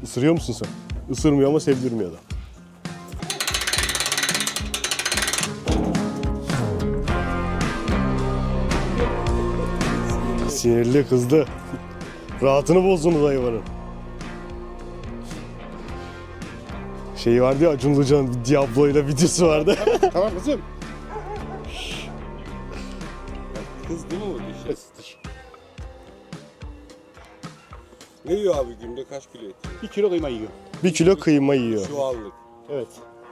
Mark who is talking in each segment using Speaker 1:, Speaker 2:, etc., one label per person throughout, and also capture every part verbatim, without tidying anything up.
Speaker 1: Isırıyor musun sen? Isırmıyor ama sevdirmiyor da. Sinirli, kızdı. Rahatını bozdunuz hayvanın. Şey vardı ya, Acun Ilıcalı'nın Diablo'yla videosu vardı.
Speaker 2: Tamam kızım.
Speaker 3: Kızdı mı o diş? Diş. Ne yiyor abi günde kaç kilo et?
Speaker 2: Bir kilo kıyma yiyor.
Speaker 1: Bir kilo kıyma yiyor.
Speaker 3: Şu anlık.
Speaker 2: Evet.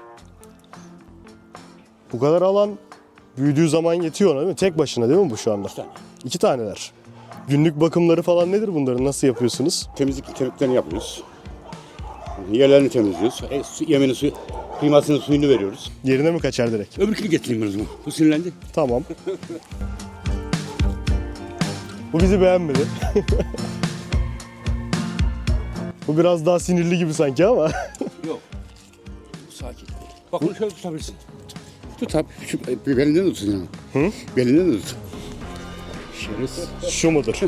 Speaker 1: Bu kadar alan büyüdüğü zaman yetiyor ona değil mi? Tek başına değil mi bu şu anda?
Speaker 2: İki tane.
Speaker 1: İki taneler. Günlük bakımları falan nedir bunların? Nasıl yapıyorsunuz?
Speaker 2: Temizlik temizliklerini yapıyoruz. Yerlerini temizliyoruz. E, su, yemeğini suyu, kıymasının suyunu veriyoruz.
Speaker 1: Yerine mi kaçar direkt?
Speaker 2: Öbürkünü getireyim ben o zaman. Bu sinirlendi.
Speaker 1: Tamam. Bu bizi beğenmedi. Bu biraz daha sinirli gibi sanki ama.
Speaker 2: Yok. Bu sakin. Bak bunu şöyle tutabilirsin. Tut abi. Şu, e, belinden de tutun yani.
Speaker 1: Hı?
Speaker 2: Belinden de tut. Şerefsiz.
Speaker 1: Şu mudur?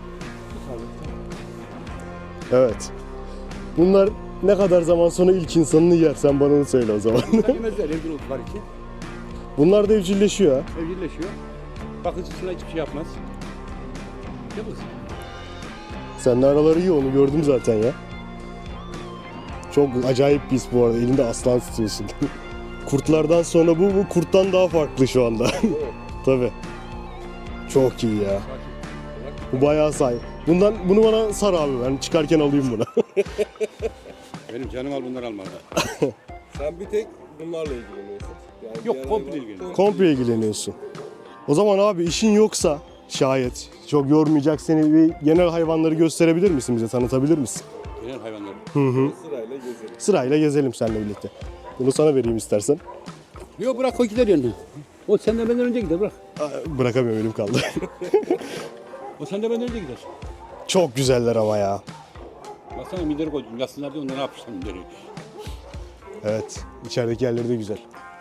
Speaker 1: Evet. Bunlar ne kadar zaman sonra ilk insanını yer? Sen bana onu söyle o zaman.
Speaker 2: Yemezler evcil oldukları için.
Speaker 1: Bunlar da evcilleşiyor ha.
Speaker 2: Evcilleşiyor. Bakıcısına hiçbir şey yapmaz. Yapmaz.
Speaker 1: Seninle araları iyi, onu gördüm zaten ya. Çok acayip bir his bu arada. Elinde aslan tutuyorsun. Kurtlardan sonra bu, bu kurttan daha farklı şu anda. Tabii. Çok iyi ya. Bu bayağı say. Bundan bunu bana sar abi, ben çıkarken alayım bunu.
Speaker 2: Benim canım al bunları alma.
Speaker 3: Sen bir tek bunlarla ilgileniyorsun. Yani
Speaker 2: Yok,
Speaker 3: diğer
Speaker 2: komple
Speaker 3: hayvan-
Speaker 2: ilgileniyorum.
Speaker 1: Komple ilgileniyorsun. O zaman abi işin yoksa şayet çok yormayacak seni, bir genel hayvanları gösterebilir misin, bize tanıtabilir misin?
Speaker 2: Genel hayvanları.
Speaker 3: Sırayla gezelim.
Speaker 1: Sırayla gezelim seninle birlikte. Bunu sana vereyim istersen.
Speaker 2: Yok bırak o gider yanına. O senden benden önce gider bırak.
Speaker 1: Aa, bırakamıyorum, elim kaldı.
Speaker 2: O senden benden önce gider.
Speaker 1: Çok güzeller ama ya.
Speaker 2: Baksana mideri koydum. Yatsınlar diye onları ne yapmışlar mideri.
Speaker 1: Evet, içerideki yerleri de güzel.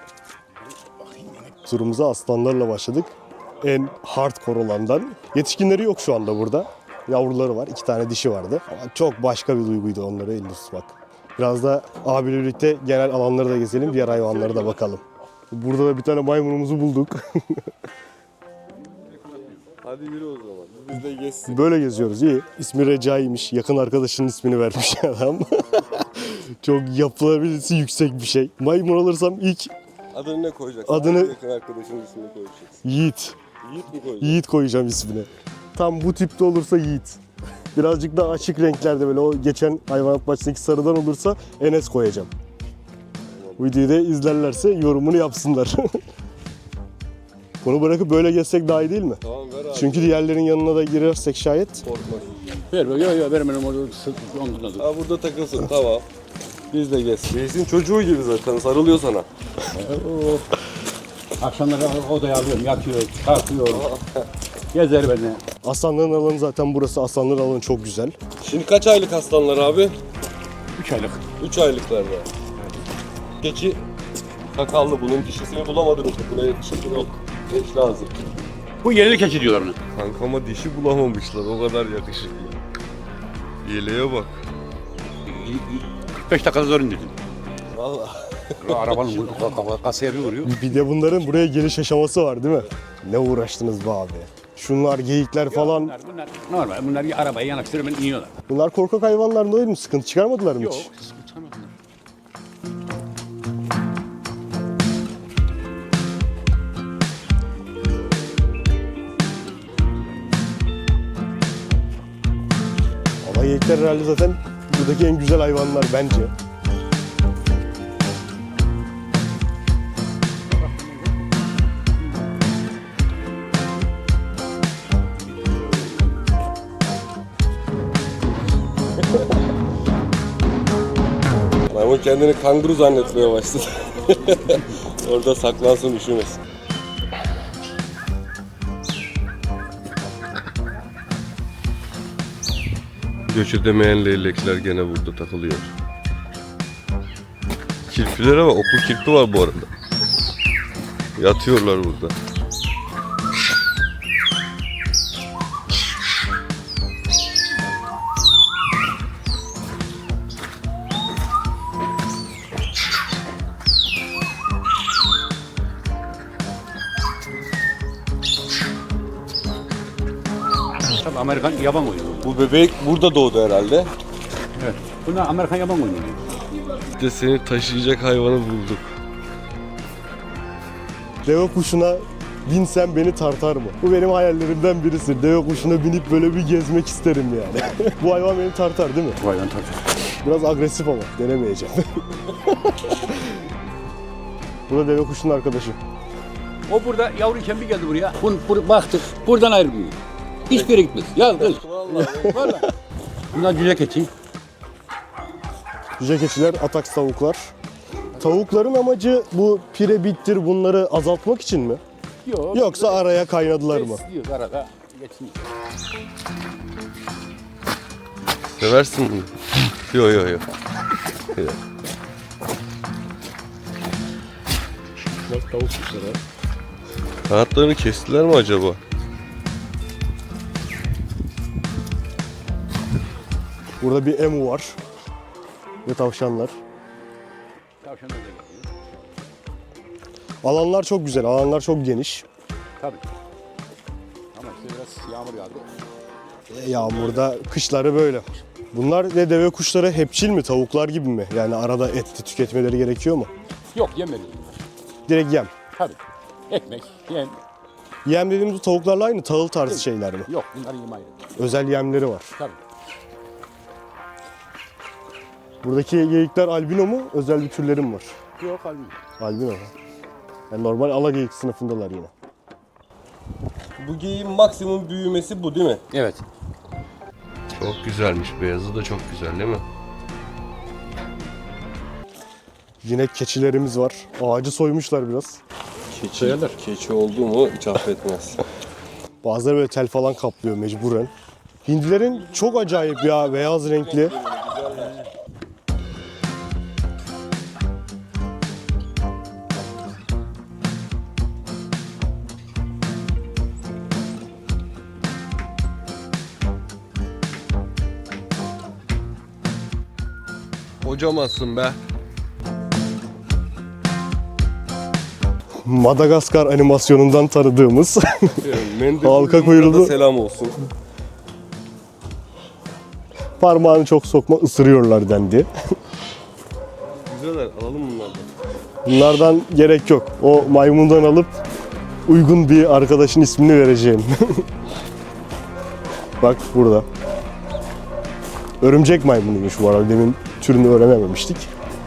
Speaker 1: Turumuza aslanlarla başladık. En hardcore olandan. Yetişkinleri yok şu anda burada. Yavruları var, iki tane dişi vardı. Ama çok başka bir duyguydu onları elinde tutmak. Biraz da abiyle birlikte genel alanları da gezelim, diğer hayvanlara da bakalım. Burada da bir tane maymunumuzu bulduk.
Speaker 3: Hadi yürü o zaman. Biz de gezsin.
Speaker 1: Böyle geziyoruz, iyi. İsmi Recai'ymiş, yakın arkadaşının ismini vermiş adam. Çok yapılabilirsi yüksek bir şey. Maymun alırsam ilk
Speaker 3: Adını ne koyacaksın?
Speaker 1: Adını-
Speaker 3: Hangi yakın arkadaşının ismini koyacaksın?
Speaker 1: Yiğit.
Speaker 3: Yiğit mi koyacaksın?
Speaker 1: Yiğit koyacağım ismini. Tam bu tipte olursa Yiğit. Birazcık daha açık renklerde, böyle o geçen hayvanat bahçesindeki sarıdan olursa Enes koyacağım. Bu videoyu da izlerlerse yorumunu yapsınlar. Bunu bırakıp böyle gezsek daha iyi değil mi?
Speaker 3: Tamam ver abi.
Speaker 1: Çünkü diğerlerin yanına da girersek şayet.
Speaker 3: Korkma.
Speaker 2: Ver ver yok yok vermem orada omzuna dur.
Speaker 3: Ha burada takılsın tamam. Biz de gezsin. Gezsin çocuğu gibi zaten sarılıyor sana.
Speaker 2: Akşamları odaya alıyorum yatıyor kalkıyor. Gezer beni.
Speaker 1: Aslanların alanı zaten burası. Aslanların alanı çok güzel.
Speaker 3: Şimdi kaç aylık aslanlar abi?
Speaker 2: Üç aylık.
Speaker 3: üç aylıklarda. Keçi sakallı, bunun dişisini bulamadınız mı? Buna yetişkin yok. Eş lazım.
Speaker 2: Bu yerli keçi diyorlar ona.
Speaker 3: Kankama dişi bulamamışlar, o kadar yakışıklı. Yeleğe bak.
Speaker 2: kırk beş dakikada zor indirdim.
Speaker 3: Vallahi.
Speaker 2: Arabanın kasaya bir vuruyor.
Speaker 1: Bir de bunların buraya geliş aşaması var değil mi? Ne uğraştınız be abi. Şunlar, geyikler falan.
Speaker 2: Bunlar, bunlar normal. Bunlar arabaya yanaştırıyor ben iniyorlar.
Speaker 1: Bunlar korkak hayvanlar değil mi? Sıkıntı çıkarmadılar mı
Speaker 2: Yok.
Speaker 1: hiç?
Speaker 2: Utanmadım.
Speaker 1: Ama geyikler herhalde zaten buradaki en güzel hayvanlar bence.
Speaker 3: Maymun kendini kanguru zannetmeye başladı. Orada saklansın, üşümesin. Göç edemeyen leylekler gene burada takılıyor. Kirpilere bak, okul kirpi var bu arada. Yatıyorlar burada.
Speaker 4: Amerikan yaban oyunu.
Speaker 3: Bu bebek burada doğdu herhalde.
Speaker 4: Evet. Bunlar Amerikan yaban oyunu.
Speaker 3: İşte seni taşıyacak hayvanı bulduk.
Speaker 1: Deve kuşuna binsem beni tartar mı? Bu benim hayallerimden birisi. Deve kuşuna binip böyle bir gezmek isterim yani. Bu hayvan beni tartar değil mi?
Speaker 4: Bu hayvan tabii.
Speaker 1: Biraz agresif ama denemeyeceğim. Bu da deve kuşunun arkadaşı.
Speaker 4: O burada yavruyken bir geldi buraya. Bun, bur, baktık. Buradan ayrılmıyor. Hiçbir yere gitmez. Ya kız. Vallahi. Bunlar cüce keçi.
Speaker 1: Cüce keçiler, ataks tavuklar. Tavukların amacı bu pire bittir bunları azaltmak için mi?
Speaker 4: Yok.
Speaker 1: Yoksa araya kaynadılar mı?
Speaker 4: Besliyoruz arada. Geçmiyor.
Speaker 3: Seversin bunu. Yo yo yo.
Speaker 1: Bak tavuk kuşları.
Speaker 3: Kanatlarını kestiler mi acaba?
Speaker 1: Burada bir emu var. Ve tavşanlar.
Speaker 4: Tavşanlar da geliyor.
Speaker 1: Alanlar çok güzel, alanlar çok geniş.
Speaker 4: Tabii. Ama işte biraz yağmur yağdı.
Speaker 1: E, Yağmurda kışları böyle. Bunlar ne deve kuşları hepçil mi, tavuklar gibi mi? Yani arada et tüketmeleri gerekiyor mu?
Speaker 4: Yok yemedi.
Speaker 1: Direkt yem.
Speaker 4: Tabii. Ekmek, yem.
Speaker 1: Yem dediğimiz bu tavuklarla aynı tahıl tarzı şeyler mi?
Speaker 4: Yok bunlar yem ayrı.
Speaker 1: Özel yemleri var.
Speaker 4: Tabii.
Speaker 1: Buradaki geyikler albino mu? Özel bir türlerim var.
Speaker 4: Yok halbuki.
Speaker 1: Albino mu? Yani normal ala geyik sınıfındalar yine.
Speaker 3: Bu geyiğin maksimum büyümesi bu değil mi?
Speaker 4: Evet.
Speaker 3: Çok güzelmiş. Beyazı da çok güzel değil mi?
Speaker 1: Yine keçilerimiz var. Ağacı soymuşlar biraz.
Speaker 3: Keçi, keçi oldu mu hiç affetmez.
Speaker 1: Bazıları böyle tel falan kaplıyor mecburen. Hindilerin çok acayip ya, beyaz renkli.
Speaker 3: Hocamazsın be.
Speaker 1: Madagaskar animasyonundan tanıdığımız halka kuyruğu
Speaker 3: selam olsun.
Speaker 1: parmağını çok sokma ısırıyorlar dendi.
Speaker 3: Güzeller, alalım bunlardan.
Speaker 1: Bunlardan gerek yok. O maymundan alıp uygun bir arkadaşın ismini vereceğim. Bak burada. Örümcek maymunuymuş bu arada. Demin türünü öğrenememiştik.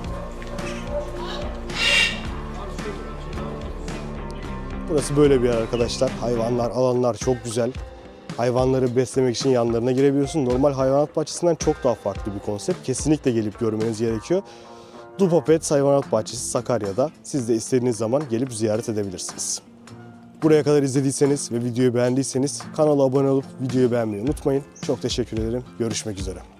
Speaker 1: Burası böyle bir yer arkadaşlar. Hayvanlar, alanlar çok güzel. Hayvanları beslemek için yanlarına girebiliyorsun. Normal hayvanat bahçesinden çok daha farklı bir konsept. Kesinlikle gelip görmeniz gerekiyor. Dupa Pets Hayvanat Bahçesi Sakarya'da. Siz de istediğiniz zaman gelip ziyaret edebilirsiniz. Buraya kadar izlediyseniz ve videoyu beğendiyseniz kanala abone olup videoyu beğenmeyi unutmayın. Çok teşekkür ederim. Görüşmek üzere.